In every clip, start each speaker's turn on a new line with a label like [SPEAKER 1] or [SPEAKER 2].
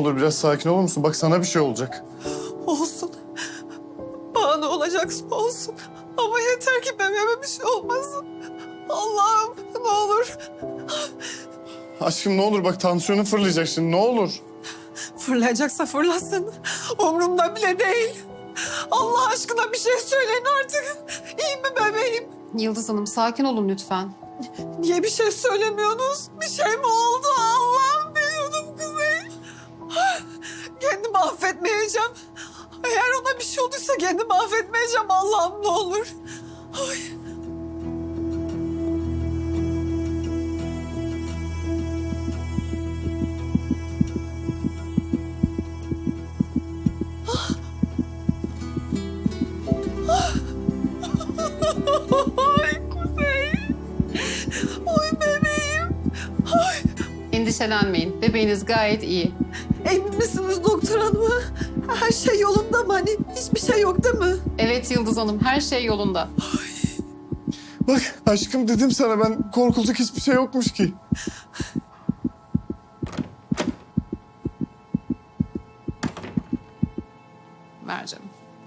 [SPEAKER 1] olur biraz sakin olur musun? Bak sana bir şey olacak.
[SPEAKER 2] Olsun. Bana ne olacaksa olsun. Ama yeter ki bebeğime bir şey olmasın. Allah'ım ne olur.
[SPEAKER 1] Aşkım ne olur bak tansiyonu fırlayacak şimdi ne olur.
[SPEAKER 2] Fırlayacaksa fırlasın. Umurumda bile değil. Allah aşkına bir şey söyleyin artık. İyi mi bebeğim?
[SPEAKER 3] Yıldız Hanım sakin olun lütfen.
[SPEAKER 2] Niye bir şey söylemiyorsunuz? Bir şey mi oldu? Allah'ım biliyordum Kuzey. Kendimi affetmeyeceğim. Eğer ona bir şey olduysa kendimi affetmeyeceğim. Allah'ım ne olur. Ay. Ay Kuzey. Ay bebeğim. Ay.
[SPEAKER 3] Endişelenmeyin. Bebeğiniz gayet iyi.
[SPEAKER 2] Emin misiniz doktor hanım? Her şey yolunda mı? Hani hiçbir şey yok değil mi?
[SPEAKER 3] Evet Yıldız Hanım her şey yolunda.
[SPEAKER 1] Bak aşkım dedim sana ben korkulacak hiçbir şey yokmuş ki.
[SPEAKER 3] Ver canım.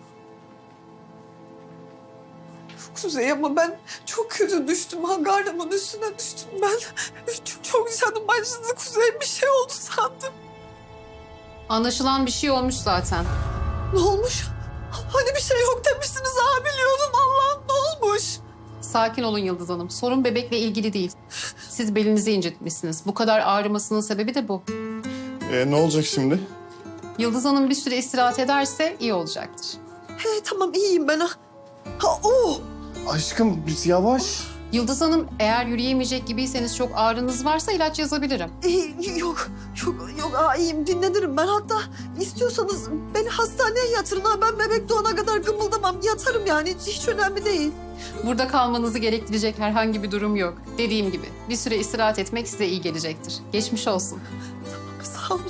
[SPEAKER 2] Kuzey ama ben çok kötü düştüm. Hangarımın üstüne düştüm ben. Çok canım acıdı Kuzey. Bir şey oldu sandım.
[SPEAKER 3] Anlaşılan bir şey olmuş zaten.
[SPEAKER 2] Ne olmuş? Hani bir şey yok demiştiniz ha biliyordum. Allah'ım ne olmuş?
[SPEAKER 3] Sakin olun Yıldız Hanım. Sorun bebekle ilgili değil. Siz belinizi incitmişsiniz. Bu kadar ağrımasının sebebi de bu.
[SPEAKER 1] Ne olacak şimdi?
[SPEAKER 3] Yıldız Hanım bir süre istirahat ederse iyi olacaktır.
[SPEAKER 2] He tamam iyiyim ben. Oh!
[SPEAKER 1] Aşkım biz yavaş.
[SPEAKER 3] Yıldız Hanım eğer yürüyemeyecek gibiyseniz çok ağrınız varsa ilaç yazabilirim.
[SPEAKER 2] Yok iyiyim dinlenirim ben. Hatta istiyorsanız beni hastaneye yatırın ha. Ben bebek doğana kadar gımıldamam. Yatarım yani hiç önemli değil.
[SPEAKER 3] Burada kalmanızı gerektirecek herhangi bir durum yok. Dediğim gibi bir süre istirahat etmek size iyi gelecektir. Geçmiş olsun.
[SPEAKER 2] Sağ olun.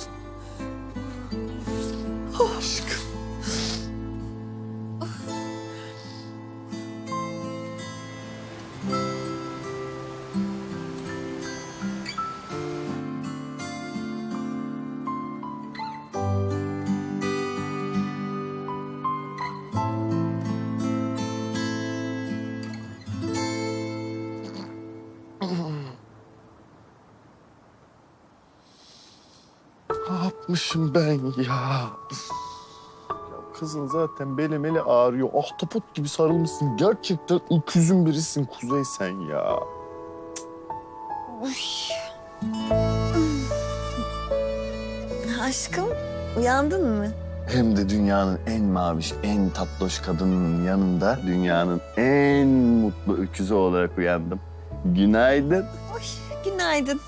[SPEAKER 1] Aşkım. Ne yapmışım ben ya? Ya kızın zaten beli ağrıyor. Ahtapot gibi sarılmışsın. Gerçekten öküzün birisin Kuzey sen ya.
[SPEAKER 4] Aşkım, uyandın mı?
[SPEAKER 5] Hem de dünyanın en maviş, en tatlış kadının yanında dünyanın en mutlu öküzü olarak uyandım. Günaydın.
[SPEAKER 4] Günaydın.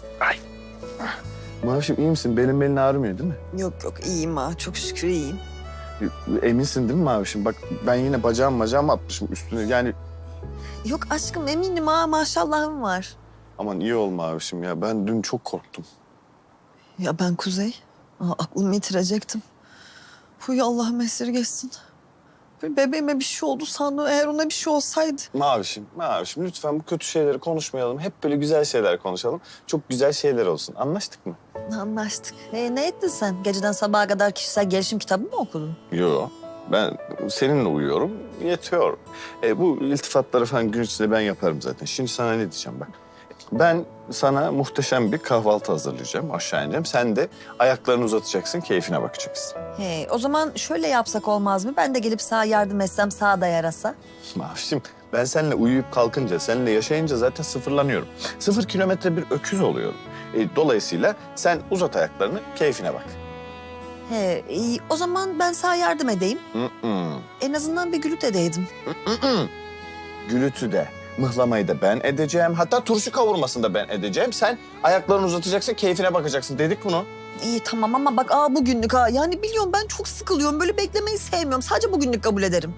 [SPEAKER 5] Mavişim iyi misin? Belin ağrımıyor değil mi?
[SPEAKER 2] Yok iyiyim ha. Çok şükür iyiyim.
[SPEAKER 5] Eminsin değil mi Mavişim? Bak ben yine bacağım atmışım üstüne. Yani
[SPEAKER 4] Yok aşkım eminim ha maşallahım var.
[SPEAKER 5] aman iyi ol Mavişim ya. Ben dün çok korktum.
[SPEAKER 2] Ya ben Kuzey. Aklımı yitirecektim. Huy Allah'ım esirgesin. Bebeğime bir şey oldu sandım. Eğer ona bir şey olsaydı.
[SPEAKER 5] Mavişim lütfen bu kötü şeyleri konuşmayalım. Hep böyle güzel şeyler konuşalım. Çok güzel şeyler olsun. Anlaştık mı?
[SPEAKER 4] Anlaştık. Ne ettin sen? Geceden sabaha kadar kişisel gelişim kitabı mı okudun?
[SPEAKER 5] Yo. Ben seninle uyuyorum, yetiyor. Bu iltifatları falan gün içinde ben yaparım zaten. Şimdi sana ne diyeceğim bak. Ben sana muhteşem bir kahvaltı hazırlayacağım, aşağı ineceğim. Sen de ayaklarını uzatacaksın, keyfine bakacaksın.
[SPEAKER 4] O zaman şöyle yapsak olmaz mı? Ben de gelip sağa yardım etsem sağa da yarasa.
[SPEAKER 5] Mavişim, ben seninle uyuyup kalkınca, seninle yaşayınca zaten sıfırlanıyorum. 0 kilometre bir öküz oluyorum. Dolayısıyla sen uzat ayaklarını, keyfine bak.
[SPEAKER 4] İyi. O zaman ben sağa yardım edeyim.
[SPEAKER 5] Mm-mm.
[SPEAKER 4] En azından bir gülüt edeydim.
[SPEAKER 5] Gülütü de, mıhlamayı da ben edeceğim. Hatta turşu kavurmasını da ben edeceğim. Sen ayaklarını uzatacaksın, keyfine bakacaksın. Dedik bunu.
[SPEAKER 4] İyi tamam ama bak bugünlük ha. Yani biliyorum ben çok sıkılıyorum. Böyle beklemeyi sevmiyorum. Sadece bugünlük kabul ederim.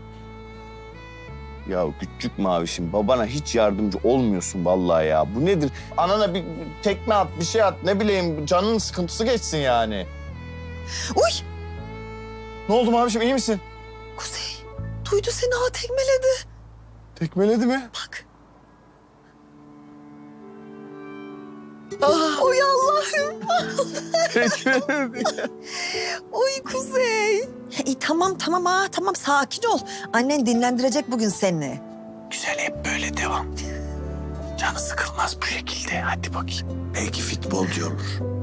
[SPEAKER 5] Ya küçük mavişim, babana hiç yardımcı olmuyorsun vallahi ya. Bu nedir? Anana bir tekme at, bir şey at. Ne bileyim, canının sıkıntısı geçsin yani.
[SPEAKER 4] Uy!
[SPEAKER 5] Ne oldu mavişim, iyi misin?
[SPEAKER 4] Kuzey, duydu seni tekmeledi.
[SPEAKER 5] Tekmeledi mi?
[SPEAKER 4] Bak. Oy Allah'ım. Oy Kuzey. Tamam tamam sakin ol. Annen dinlendirecek bugün seni.
[SPEAKER 1] Güzel, hep böyle devam. Canı sıkılmaz bu şekilde. Hadi bakayım. Belki futbolcu olur.